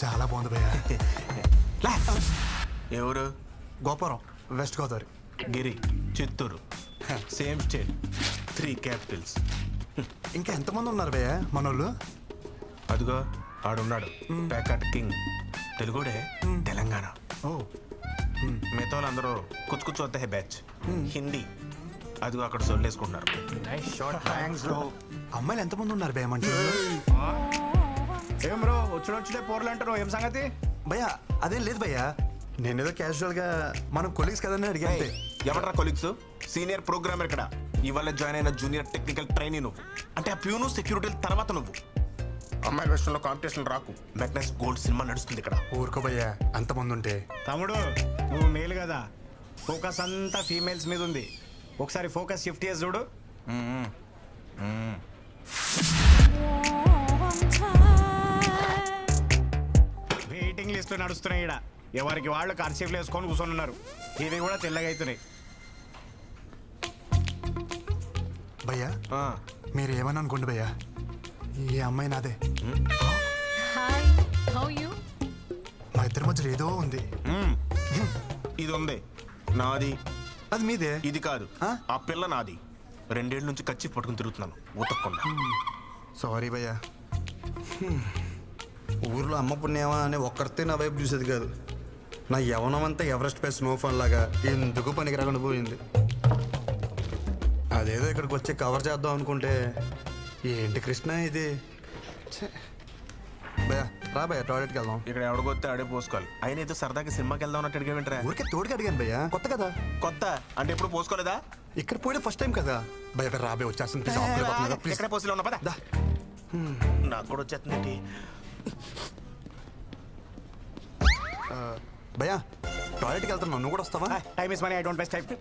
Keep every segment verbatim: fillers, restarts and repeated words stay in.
చాలా బాగుంది భయ్య. ఎవరు? గోపురం, west Godavari. Giri, Chittoor. Same state, three capitals. ఇంకా ఎంతమంది ఉన్నారు భయ్య మనోళ్ళు? అదిగో ఆడున్నాడు, ప్యాకట్ కింగ్. తెలుగుడే, తెలంగాణ. ఓ, మిగతా వాళ్ళందరూ కుచ్చు కుచ్చు వద్ద బ్యాచ్ హిందీ. అదిగో అక్కడ సొల్లేసుకుంటున్నారు. అమ్మాయిలు ఎంతమంది ఉన్నారు భయ్య మన ఏం బ్రో వచ్చి వచ్చితే పోర్లు అంటారు, ఏం సంగతి? భయ్య అదేం లేదు భయ్య, నేనేదో క్యాజువల్ గా మనం కొలీగ్స్ కదని అడిగా. ఎవరా కొలీగ్స్? సీనియర్ ప్రోగ్రామర్ ఇక్కడ. ఇవాళ జాయిన్ అయిన జూనియర్ టెక్నికల్ ట్రైనీ నువ్వు. అంటే ఆ ప్యూను సెక్యూరిటీ తర్వాత నువ్వు. అమ్మాయిల విషయంలో కాంపిటీషన్ రాకు. మెగ్నస్ గోల్డ్ సినిమా నడుస్తుంది ఇక్కడ. ఊరుకో భయ్య, అంతమంది ఉంటే. తమ్ముడు నువ్వు మేలు కదా, ఫోకస్ అంతా ఫీమేల్స్ మీద ఉంది. ఒకసారి ఫోకస్ షిఫ్ట్ చేసి చూడు. వెయిటింగ్ లిస్ట్ నడుస్తున్నాయి ఇక్కడ. ఎవరికి వాళ్ళు కర్చీఫ్లు వేసుకొని కూర్చొని ఉన్నారు. ఇవి కూడా తెల్లగా అవుతున్నాయి. భయ్య మీరు ఏమని అనుకోండి భయ్య, ఈ అమ్మాయి నాదే. Hi, how you? మా ఇద్దరి మధ్యలో ఏదో ఉంది. ఇది ఉంది నాది. అది మీదే. ఇది కాదు, ఆ పిల్ల నాది. రెండేళ్ల నుంచి కచ్చి పట్టుకుని తిరుగుతున్నాను ఉతక్కుండా. సారీ భయ్య. ఊర్లో అమ్మ పుణ్యమా అని ఒక్కరితే నా వైపు చూసేది కాదు. నా యవనం అంతా ఎవరెస్ట్ పై స్నోఫాల్ లాగా ఎందుకు పనికి రాకుండా పోయింది. అదేదో ఇక్కడికి వచ్చి కవర్ చేద్దాం అనుకుంటే ఏంటి కృష్ణ ఇది. భయ్య రా భయ్య, టాయిలెట్కి వెళ్దాం. ఇక్కడ ఎవడగొత్తే ఆడే పోసుకోవాలి. అయినా ఏదో సరదాగా సినిమాకి వెళ్దాం అన్నట్టు అడిగేంట్రా? ఊరికే తోడుకి అడిగాను భయ్య, కొత్త కదా. కొత్త అంటే ఎప్పుడు పోసుకోలేదా? ఇక్కడ పోయే ఫస్ట్ టైం కదా భయ్య. రాబే వచ్చేస్తుంది ప్లీజ్. ఎక్కడ పోసిలో ఉన్నా పదా. నాకు కూడా వచ్చేస్తుంది. భయ్య టాయిలెట్కి వెళ్తున్నావు, నువ్వు కూడా వస్తావా? Time is money, I don't waste time.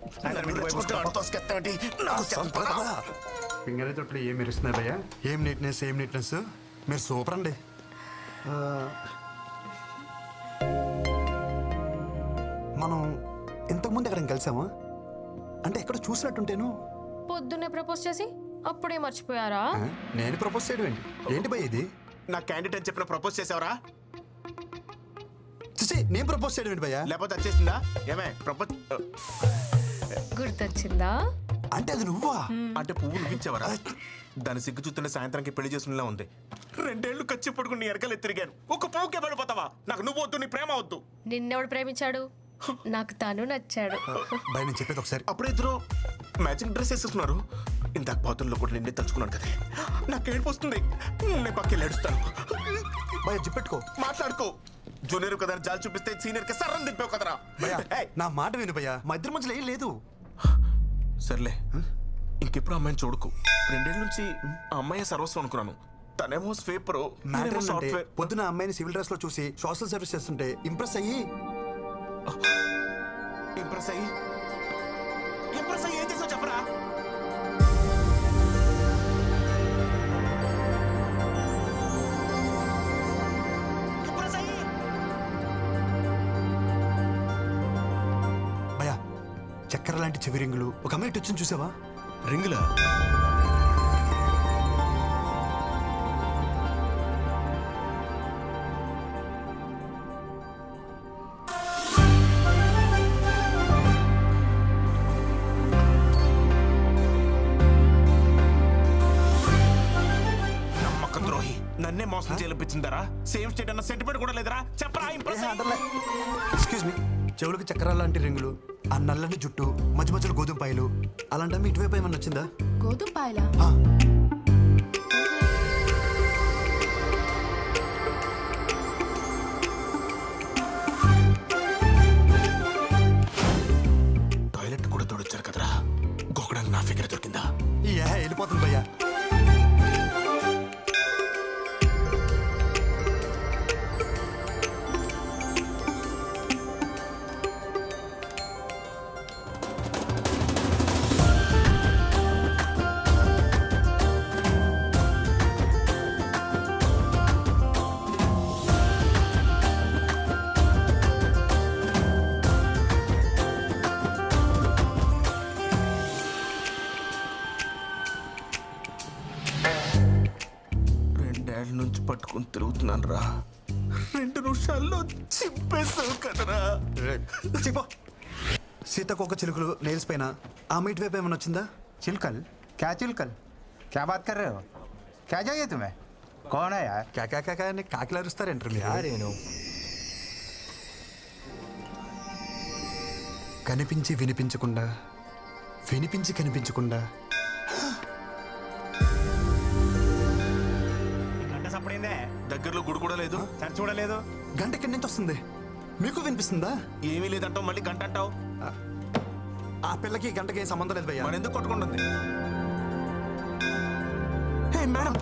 Finger అయితే ఇప్పుడు ఏం మెరుస్తున్నాయి భయ్య. ఏం నీట్నెస్, ఏం నీట్నెస్. మీరు సూపర్ అండి. మనం ఇంతకుముందు ఎక్కడ కలిసామా? అంటే ఎక్కడ చూసినట్టుంటేను. పొద్దున్నే ప్రపోజ్ చేసి అప్పుడే మర్చిపోయారా? నేను ప్రపోజ్ చేయడం ఏంటి? ఏంటి భయ్య ఇది? నా క్యాండిడేట్ అని చెప్పిన ప్రపోజ్ చేసావరా? నేను ప్రపోజ్ చేయడం ఏంటి భయ్య? లేకపోతే వచ్చేసిందా? ఏమే ప్రపోజ్ గుర్తొచ్చిందా? అంటే అది నువ్వా? అంటే పువ్వు నువ్వించావరా? దాని సిగ్గు చూస్తుంటే సాయంత్రానికి పెళ్లి చేసుకునేలా ఉంది. రెండేళ్లు ఖర్చు పడుకుని ఎరకలు తిరిగాను. ఒక పువ్వుకే పడిపోతావా? నాకు నువ్వు వద్దు, నీ ప్రేమ వద్దు. నిన్నెవడు ప్రేమించాడు? నాకు తను నచ్చాడు. భయ నేను చెప్పేది ఒకసారి. అప్పుడు ఇద్దరు మ్యాచింగ్ డ్రెస్ వేసేస్తున్నారు. ఇందాక బాతుల్లో కూడా నిన్నే తలుచుకున్నాను కదా. నాకు ఏడుపు వస్తుంది. నేను పక్కకి ఏడుస్తాను. భయ జిప్పెట్టుకో, మాట్లాడుకో. జూనియర్ కదా జాలి చూపిస్తే సీనియర్ కి సర్రం దింపావు కదరా. నా మాట విను భయ్యా, మా ఇద్దరి మధ్యలో ఏం లేదు. సర్లే, ఇంకెప్పుడు అమ్మాయిని చూడకు. రెండేళ్ళ నుంచి ఆ అమ్మాయి సర్వస్వం అనుకున్నాను. తనేమో స్వీపర్. పొద్దున అమ్మాయిని సివిల్ డ్రెస్ లో చూసి సోషల్ సర్వీస్ చేస్తుంటే ఇంప్రెస్ అయ్యి ఇంప్రెస్ అయ్యి ఇంప్రెస్ అయ్యి ఏం చేసావు చెప్పరా? భయ్యా చక్కెర లాంటి చెవి రింగులు ఒక అమ్మాయి వచ్చింది చూసావా? రింగులా? నన్నే మోసం చేయించిందరా? సేమ్ స్టేట్ అన్న సెంటిమెంట్ కూడా లేదరా? చెప్పరా? ఎక్స్క్యూజ్ మీ, చెవులకు చక్రాల లాంటి రింగులు, ఆ నల్లని జుట్టు, మధ్య మధ్యలో గోధుమ పాయలు, అలాంటి ఇటువైపు ఏమన్నా వచ్చిందా? గోధుమ పాయలా? టాయిలెట్ కూడా తోడొచ్చారు కదరా, గోకడానికి నా ఫిగర్ దొరికిందా? ఏ వెళ్ళిపోతుంది భయ్యా. నుంచి పట్టుకుని తిరుగుతున్నాను రా. రెండు నిమిషాల్లో చింపేస్తావు కదరా. చెప్పు సీతకొక చిలుకలు నెయిల్స్ పైన ఆ మీట్ వైపు ఏమైనా వచ్చిందా? चिलकल क्या चिलकल क्या बात कर रहे हो क्या चाहिए तुम्हें कौन है यार కాకా కాకా అని కాకిలారుస్తారంటారు మీరు. కనిపించి వినిపించకుండా వినిపించి కనిపించకుండా గంట సప్పుడైందే, దగ్గరలో గుడి కూడా లేదు. సరి చూడలేదు. గంట ఎక్కడి నుంచి వస్తుంది? మీకు వినిపిస్తుందా? ఏమీ లేదంటావు, మళ్ళీ గంట అంటావు. ఆ పిల్లకి ఈ గంటకి ఏం సంబంధం లేదు భయ్యా. మన ఎందుకు కొట్టుకుంటుంది? Hey madam,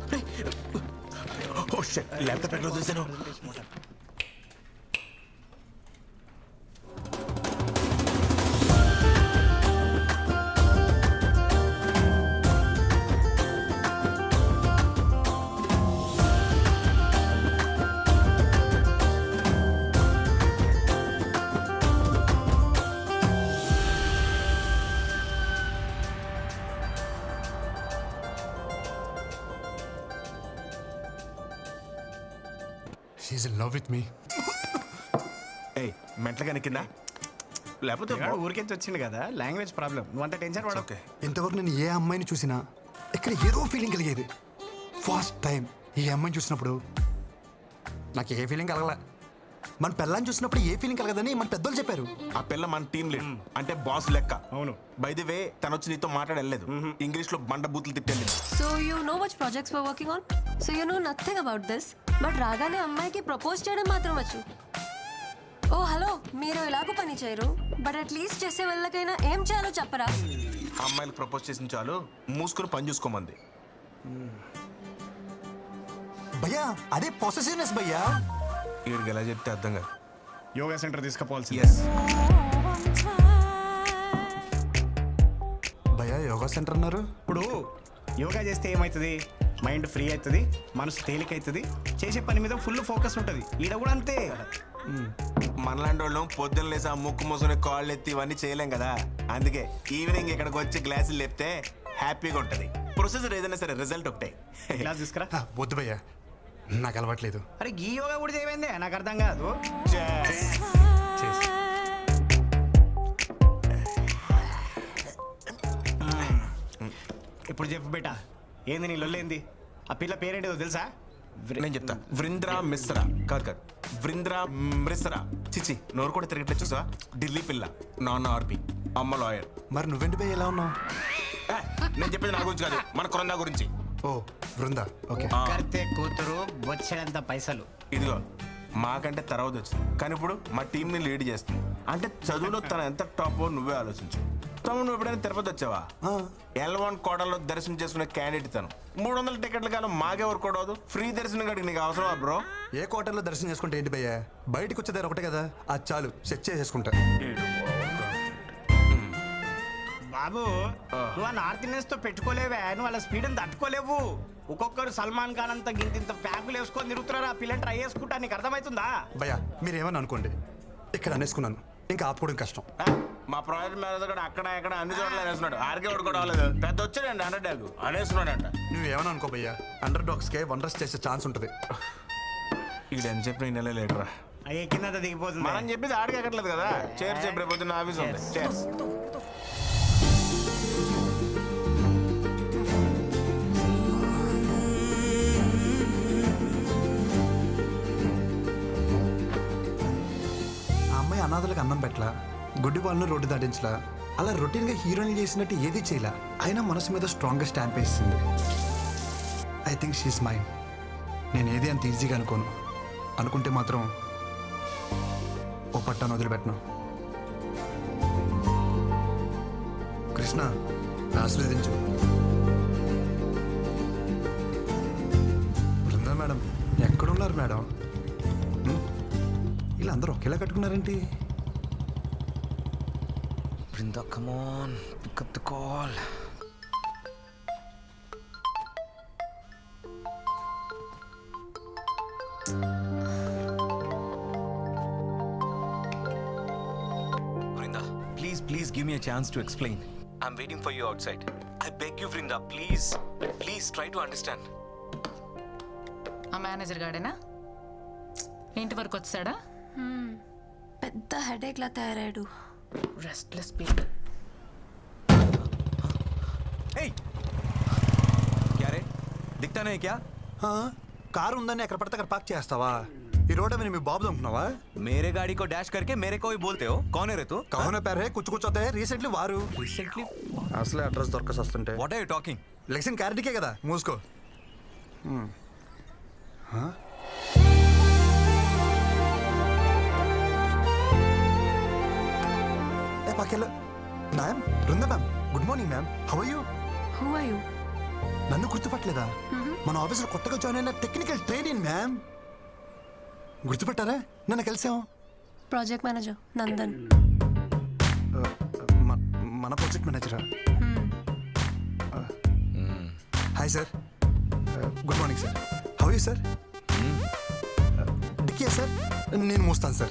oh shit, laptop ఎక్కడ చూసాను? She in love with me. ఏయ్ మెంటలుగా కింద లేకపోతే వాడు ఊరికెంచి వచ్చింది కదా, లాంగ్వేజ్ ప్రాబ్లం. నువ్వు అంత టెన్షన్ పడవు. ఓకే. ఇంతవరకు నేను ఏ అమ్మాయిని చూసినా ఇక్కడ ఏదో ఫీలింగ్ కలిగేది. ఫస్ట్ టైం ఈ అమ్మాయిని చూసినప్పుడు నాకు ఏ ఫీలింగ్ కలగల. మన పిల్లని చూసినప్పుడు ఏ ఫీలింగ్ కలగదని మన పెద్దలు చెప్పారు. ఆ పిల్ల మన టీం లీడ్ అంటే బాస్ లెక్క. అవును. బై ది వే తను వచ్చి నీతో మాట్లాడలేదు, ఇంగ్లీష్ లో బండ బూతులు తిట్టెళ్ళింది. So you know which projects we're working on? So you know nothing about this. But రాగానే అమ్మాయికి ప్రపోజ్ చేయడం మాత్రం వచ్చు. ఓ హలో, మీరు ఎలాగో పని చేయరు, బట్ అట్లీస్ట్ చేసే వాళ్ళకైనా ఏం చేయాలో చెప్పరా? అమ్మాయిలకు ప్రపోజ్ చేసిన చాలు మూసుకుని పని చూసుకోమంది. భయ్యా అదే పొసెసివ్నెస్ భయ్యా. వీడికి ఎలా చెప్తే అర్థం కాదు. Yoga centre తీసుకుపోవాల్సి. ఎస్, భయ్యా యోగా సెంటర్ అన్నారు. ఇప్పుడు యోగా చేస్తే ఏమవుతుంది? మైండ్ ఫ్రీ అవుతుంది, మనసు తేలిక అవుతుంది, చేసే పని మీద ఫుల్ ఫోకస్ ఉంటుంది. ఈడ కూడా అంతే. మనలాంటి వాళ్ళం పొద్దున్న లేసి ఆ ముక్కు మూసుకుని కాళ్ళు ఎత్తి ఇవన్నీ చేయలేం కదా. అందుకే ఈవినింగ్ ఇక్కడికి వచ్చి గ్లాసులు లేపితే హ్యాపీగా ఉంటుంది. ప్రొసెసర్ ఏదైనా సరే రిజల్ట్ ఒకటే. క్లాస్ తీసుకురా. ఆ, వద్దు భయ్యా, నాకు అలవాట్లేదు. అరే ఈ యోగా కూడా చేయమైందే, నాకు అర్థం కాదు. ఇప్పుడు చెప్పు బేటా, ఏంది నీ లొల్లేంది? ఆ పిల్ల పేరేంటిదో తెలుసా? నేను చెప్తా. వృంద్రా మిశ్రా కాదు కాదు వృంద్రా మిశ్రా. చిచి నోరు కూడా తిరగట్లేదు చూసా. ఢిల్లీ పిల్ల, నాన్న ఆర్పి, అమ్మ లాయర్. మరి నువ్వెంటి భయ్య ఎలా ఉన్నావు? ఏ, నేను చెప్పేది నా గురించి కాదు, మన కొరందా గురించి. ఓ బృందా, ఓకే. ఆ, కర్తే కూతురు వచ్చేంత పైసలు. ఇదిగో మాకంటే తర్వాత వచ్చింది, కానీ ఇప్పుడు మా టీంని లీడ్ చేస్తుంది. అంటే చదువులో తన ఎంత టాప్ నువ్వే ఆలోచించు. తమ్ముడు నువ్వు ఎప్పుడైనా తిరుపతి వచ్చావా? ఎల్ వన్ కోటలో దర్శనం చేసుకునే క్యాండిడేట్ తను. మూడు వందల టికెట్లు కాదు మాకెవరు కూడా ఫ్రీ దర్శనం కాడికి నీకు అవసరమా బ్రో? ఏ క్వార్టర్లో దర్శనం చేసుకుంటే ఏంటి భయ్యా? బయటకు వచ్చేదారు ఒకటే కదా, అది చాలు, సెట్ చేసేసుకుంటా. బాబు నువ్వు ఆ నార్త్ ఇండియన్స్ తో పెట్టుకోలేవే, నువ్వు వాళ్ళ స్పీడ్ అని తట్టుకోలేవు. ఒక్కొక్కరు సల్మాన్ ఖాన్ అంతా గింత ఇంత ప్యాకులు వేసుకొని తిరుగుతున్నారు. ఆ పిల్లని ట్రై చేసుకుంటా, నీకు అర్థమవుతుందా? భయ్యా మీరేమని అనుకోండి, ఇక్కడ అనేసుకున్నాను, ఇంకా ఆపుకోవడం కష్టం. ఆ, మా ప్రాజెక్ట్ మేనేజర్ కూడా అక్కడ ఇక్కడ అన్ని చోట్ల అనేస్తున్నాడు. ఆర్కే వాడు కూడా అవ్వలేదు, పెద్ద వచ్చాడండి హండ్రెడ్ డాగ్ అనేస్తున్నాడంట. నువ్వేమని అనుకో భయ్యా, అండర్ డాగ్స్కే వండర్స్ చేసే ఛాన్స్ ఉంటుంది. ఇది అని చెప్పి నేను నెల లేటరా అయ్యే కింద దిగిపోతుంది. మనం చెప్పేది ఆడికి ఎక్కట్లేదు కదా. చేర్ చెప్పి రేపు పొద్దున్న ఆఫీస్ ఉంది. చేర్స్. ఆ అమ్మాయి అనాథలకు అన్నం పెట్టలా, గుడ్డి వాళ్ళను రోడ్డు దాటించలా, అలా రొటీన్గా హీరోయిన్ చేసినట్టు ఏది చేయలా, అయినా మనసు మీద స్ట్రాంగ్గా స్టాంప్ వేసింది. I think she's mind. నేను ఏది అంత ఈజీగా అనుకోను, అనుకుంటే మాత్రం ఓ పట్టాను వదిలిపెట్టను. కృష్ణ ఆశీర్వదించు. బృందా మేడం ఎక్కడున్నారు మేడం? హ్మ్? వీళ్ళందరూ ఒకేలా కట్టుకున్నారేంటి? Brinda, come on, pick up the call. Brinda, please, please give me a chance to explain. I'm waiting for you outside. I beg you, Brinda, please, please try to understand. ఆ manager గాడేనా? ఇంటి వరకు వచ్చాడా? పెద్ద headache లా తయారాడు. Restless people. Hey! क्या रे? दिखता नहीं क्या? ఆ, కారు ఉందని ఎక్కడ పడితే అక్కడ పార్క్ చేస్తావా? ఈ రోడ్ మీద మీ బాబు అనుకున్నావా? मेरे गाड़ी को डैश करके मेरे को ही बोलते हो? कौन है रे तू? కౌన పేరే కుచ్చు కూర్చోతే రీసెంట్లీ వారు Recently? అసలే అడ్రస్ దొరకసి వస్తుంటే What are you talking? లెక్షన్ క్యారెట్కే కదా మూసుకో. హ్మ్. హా? ఏ పక్కెళ్ళు. Ma'am Brinda ma'am good morning ma'am. How are you? Who are you? నన్ను గుర్తుపట్టలేదా? మన ఆఫీస్లో కొత్తగా జాయిన్ అయిన టెక్నికల్ ట్రైనింగ్ మ్యామ్. గుర్తుపట్టారా? నన్ను కలిసాం. Project manager Nandan. మ- మన ప్రాజెక్ట్ మేనేజరా? Hi sir. Good morning sir. How you sir? డిక్కియా సార్? నేను మోస్తాను సార్.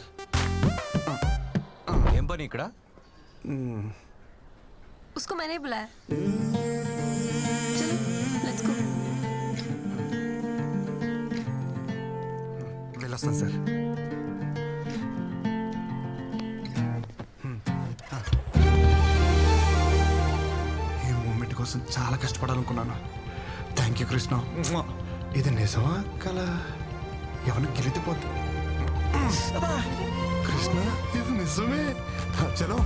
ఏం పని ఇక్కడ? उसको मैंने ही बुलाया. चलो लेट्स गो. వెళ్ళొస్తాను సార్. ఈ మూమెంట్ కోసం చాలా కష్టపడాలనుకున్నాను. Thank you Krishna. ఇది నిజమా కల ఎవరిని గెలిచిపోద్ది? కృష్ణ ఇది నిజమే. చలో.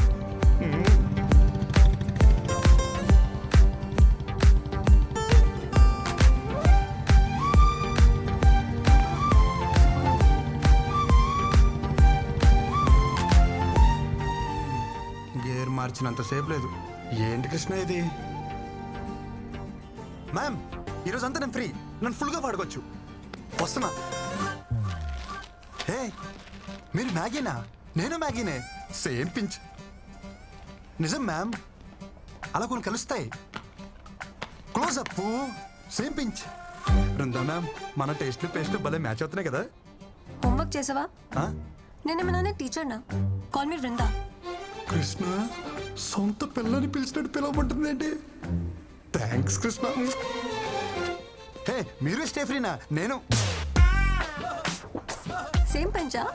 గేర్ మార్చినంతసేపు లేదు. ఏంటి కృష్ణ ఇది? మ్యామ్ ఈరోజు అంతా నేను ఫ్రీ. నన్ను ఫుల్గా పాడుకోవచ్చు. వస్తున్నా. హే మీరు మ్యాగీనా? నేను మ్యాగీనే. Same pinch. నిజం మ్యామ్, అలా కొన్ని కలుస్తాయి. Close up same pinch. Brinda ma'am మన టేస్ట్లు పేస్ట్లు భలే మ్యాచ్ అవుతున్నాయి కదా. హోంవర్క్ చేసావా? ఆ? నేనేమన్నా టీచర్ నా? Call me Vrinda. కృష్ణ సొంత పిల్లని పిలిచినట్టు పిలవబడుతుంది ఏంటి? థ్యాంక్స్ కృష్ణ. హే మీరు స్టే ఫ్రీనా? నేను సేమ్ పంచా?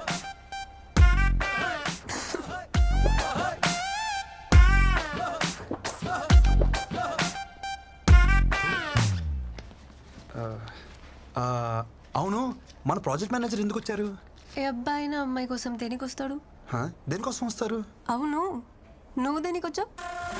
ఆ, అవును మన ప్రాజెక్ట్ మేనేజర్ ఎందుకు వచ్చారు? ఏ అబ్బాయి నా అమ్మాయి కోసం దేనికి వస్తాడు? హా? దేనికోసం వస్తారు? అవును నువ్వు దేనికి వచ్చావు?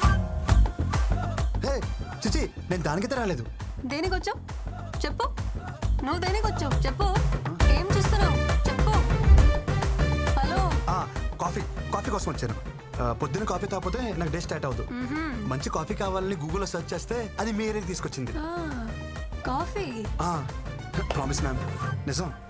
హే చిచి నేను దానికైతే రాలేదు. దేనికి వచ్చావు చెప్పు. నువ్వు దేనికి వచ్చావు చెప్పు. ఏం చేస్తున్నావు చెప్పు. హలో. ఆ, కాఫీ కాఫీ కోసం వచ్చాను. ఆ, పొద్దున్న కాఫీ తాగిపోతే నాకు డే స్టార్ట్ అవుతుంది. మంచి కాఫీ కావాలని గూగుల్లో సెర్చ్ చేస్తే అది మీ ఏరియాకి తీసుకొచ్చింది. కాఫీ. ప్రామిస్ మ్యామ్ నిజం.